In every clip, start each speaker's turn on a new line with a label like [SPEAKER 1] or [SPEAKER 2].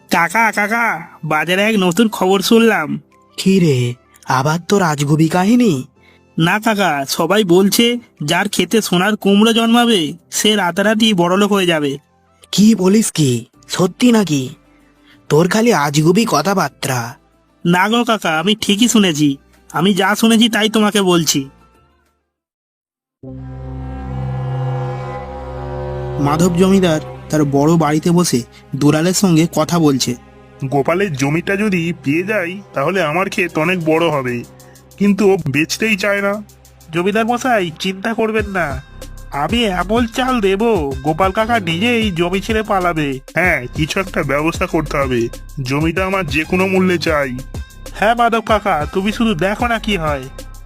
[SPEAKER 1] কাকা কাকা, বাজারে এক নতুন খবর শুনলাম।
[SPEAKER 2] কি রে, আবার তো রাজগুবি কাহিনী?
[SPEAKER 1] না কাকা, সবাই বলছে যার ক্ষেতে সোনার কুমড়ো জন্মাবে সে রাতারাতি বড়লোক হয়ে যাবে।
[SPEAKER 2] কি বলিস কি, সত্যি নাকি? তোর খালি আজগুবি কথাবার্তা।
[SPEAKER 1] না গো কাকা, আমি ঠিকই শুনেছি। আমি যা শুনেছি তাই তোমাকে বলছি। মাধব জমিদার তার বড় বাড়িতে বসে দুলালের সঙ্গে কথা বলছে।
[SPEAKER 3] গোপালের জমিটা যদি পেয়ে যাই তাহলে আমার ক্ষেত অনেক বড় হবে, কিন্তু ও বেচতেই চায় না।
[SPEAKER 1] জমিদার মশাই, চিন্তা করবেন না, আমি এমন চাল দেব গোপাল কাকা নিজেই জমি ছেড়ে পালাবে।
[SPEAKER 3] হ্যাঁ, কিছু একটা ব্যবস্থা করতে হবে। জমিটা আমার যে কোনো মূল্যে চাই।
[SPEAKER 1] হ্যাঁ মাধব কাকা, তুমি শুধু দেখো না কি হয়।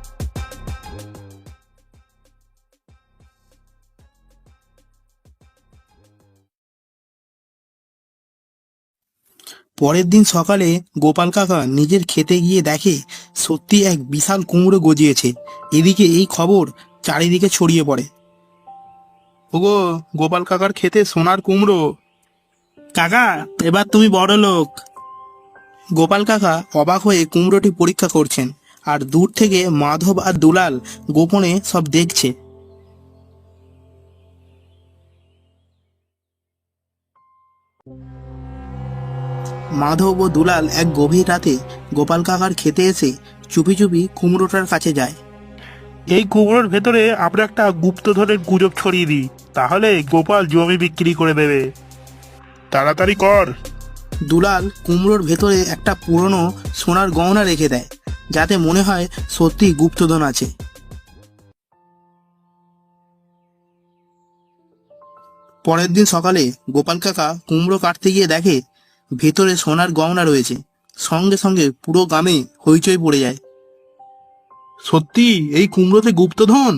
[SPEAKER 1] পরের দিন সকালে গোপাল কাকা নিজের খেতে গিয়ে দেখে সত্যি এক বিশাল কুমড়ো গজিয়েছে। এদিকে এই খবর চারিদিকে ছড়িয়ে পড়ে। ওগো, গোপাল কাকার খেতে সোনার কুমড়ো। কাকা, এবার তুমি বড় লোক। গোপাল কাকা অবাক হয়ে কুমড়োটি পরীক্ষা করছেন, আর দূর থেকে মাধব আর দুলাল গোপনে সব দেখছে। মাধব ও দুলাল এক গভীর রাতে গোপাল কাকার খেতে এসে চুপি চুপি কুমড়োটার কাছে যায়। এই কুমড়োর ভেতরে আমরা একটা গুপ্তধনের গুজব ছড়িয়ে দিই, তাহলে গোপাল জমি বিক্রি করে দেবে।
[SPEAKER 3] তাড়াতাড়ি কর।
[SPEAKER 1] দুলাল কুমড়োর ভেতরে একটা পুরনো সোনার গহনা রেখে দেয়, যাতে মনে হয় সত্যি গুপ্তধন আছে। পরের দিন সকালে গোপাল কাকা কুমড়ো কাটতে গিয়ে দেখে ভেতরে সোনার গহনা রয়েছে। সঙ্গে সঙ্গে পুরো গ্রামে হইচই পড়ে যায়। সত্যি এই কুমড়োতে গুপ্তধন?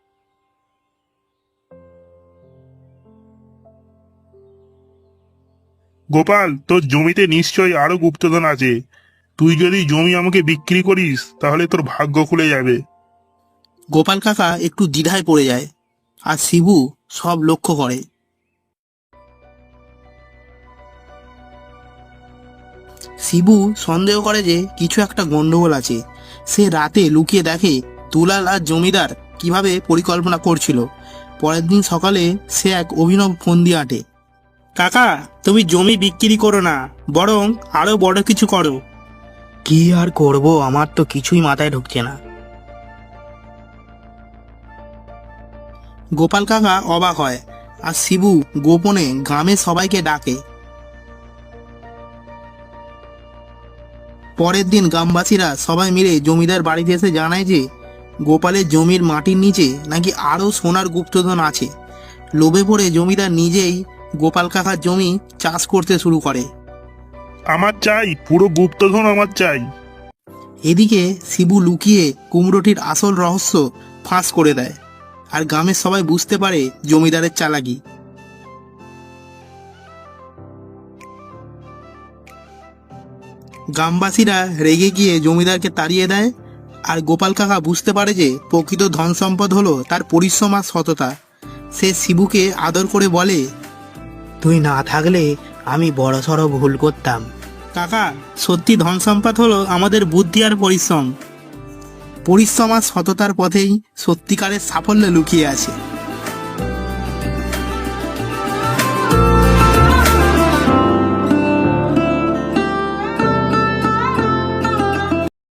[SPEAKER 3] গোপাল, তোর জমিতে নিশ্চয়ই আরো গুপ্তধন আছে। তুই যদি জমি আমাকে বিক্রি করিস তাহলে তোর ভাগ্য খুলে যাবে।
[SPEAKER 1] গোপাল কাকা একটু দ্বিধায় পড়ে যায়, আর শিবু সব লক্ষ্য করে। শিবু সন্দেহ করে যে কিছু একটা গন্ডগোল আছে। সে রাতে লুকিয়ে দেখে দুলাল আর জমিদার কিভাবে পরিকল্পনা করছিল। পরের দিন সকালে সে এক অভিনব ফন্দি আঁটে। কাকা, তুমি জমি বিক্রি করো না, বরং আরো বড় কিছু করো।
[SPEAKER 2] কি আর করব, আমার তো কিছুই মাথায় ঢুকছে না।
[SPEAKER 1] গোপাল কাকা অবাক হয়, আর শিবু গোপনে গ্রামের সবাইকে ডাকে। পরের দিন গ্রামবাসীরা সবাই মিলে জমিদার বাড়িতে এসে জানায় যে গোপালের জমির মাটির নিচে নাকি আরও সোনার গুপ্তধন আছে। লোভে পড়ে জমিদার নিজেই গোপাল কাকার জমি চাষ করতে শুরু করে।
[SPEAKER 3] আমার চাই, পুরো গুপ্তধন আমার চাই।
[SPEAKER 1] এদিকে শিবু লুকিয়ে কুমড়োটির আসল রহস্য ফাঁস করে দেয়, আর গ্রামের সবাই বুঝতে পারে জমিদারের চালাকি। গ্রামবাসীরা রেগে গিয়ে জমিদারকে তাড়িয়ে দেয়, আর গোপাল কাকা বুঝতে পারে যে প্রকৃত ধন সম্পদ হলো তার পরিশ্রম আর সততা। সে শিবুকে আদর করে বলে,
[SPEAKER 2] তুই না থাকলে আমি বড়সড় ভুল করতাম।
[SPEAKER 1] কাকা, সত্যি ধন সম্পদ হলো আমাদের বুদ্ধি আর পরিশ্রম। পরিশ্রম আর সততার পথেই সত্যিকারের সাফল্য লুকিয়ে আছে।